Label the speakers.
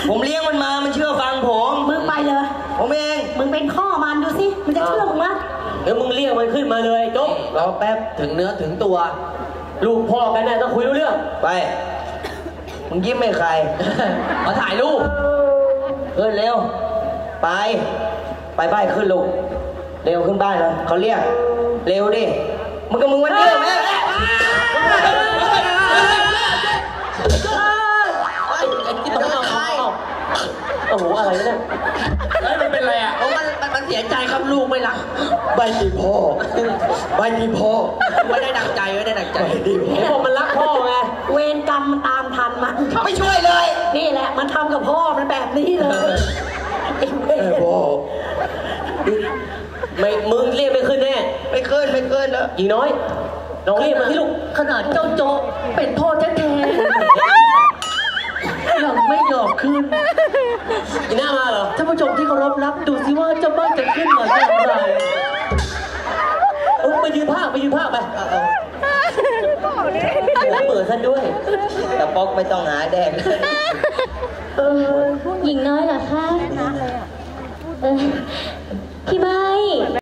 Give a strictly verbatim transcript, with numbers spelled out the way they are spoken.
Speaker 1: ผมเลี้ยงมันมามันเชื่อฟังผม
Speaker 2: มึงไปเลย
Speaker 1: ผมเอง
Speaker 2: มึงเป็นข้อมันดูสิมันจะเชื่อมึงมั้ย
Speaker 3: เดี๋ยวมึงเรียกมันขึ้นมาเลยจบ
Speaker 1: รอแป๊บถึงเนื้อถึงตัว
Speaker 3: ลูกพ่อกันแน่ต้องคุยรู้เรื่อง
Speaker 1: ไปมึงยิ้มไม่ใคร
Speaker 3: มาถ่ายรูป
Speaker 1: เฮ้ยเร็วไปไปบ้านขึ้นลูกเร็วขึ้นบ้านเลยเขาเรียกเร็วดิมึงกับมึงวันเดียวแม่
Speaker 3: โอ้โหอะไรเนี่ยเฮ้ยมันเป็นอะไรอ่ะ
Speaker 1: มันมันเสียใจครับลูกไม่รักใบดีพ่อใบดีพ่อไม่ได้ดังใจไม่ได้ดังใจ
Speaker 3: เห็นบอกมันรักพ่อไง
Speaker 2: เวรกรรมมันตามทันมัน
Speaker 1: ไม่ช่วยเลย
Speaker 2: นี่แหละมันทำกับพ่อมันแบบนี้เลย
Speaker 1: เออพ่อ
Speaker 3: ไม่มึงเรียกไม่ขึ้นแน่
Speaker 1: ไม่ขึ้นไม่ขึ้นแล้ว
Speaker 3: หญิงน้อยลองเรียกมาที่ลูก
Speaker 2: ขนาดเจ้าโจเป็นพ่อแท้ๆยังไม่ยอมขึ้น
Speaker 3: อีหน้ามาเหรอ
Speaker 2: ท่านผู้ชมที่เคารพรักดูสิว่าเจ้าบ้านจะขึ้นมาอย่างไร
Speaker 3: เออไปยืนภาคไปยืนภาคไปเปิดท่านด้วย
Speaker 1: แต่ป๊อกไม่ต้องหาแดง
Speaker 4: เออหญิงน้อยเหรอคะเออพี่ใบ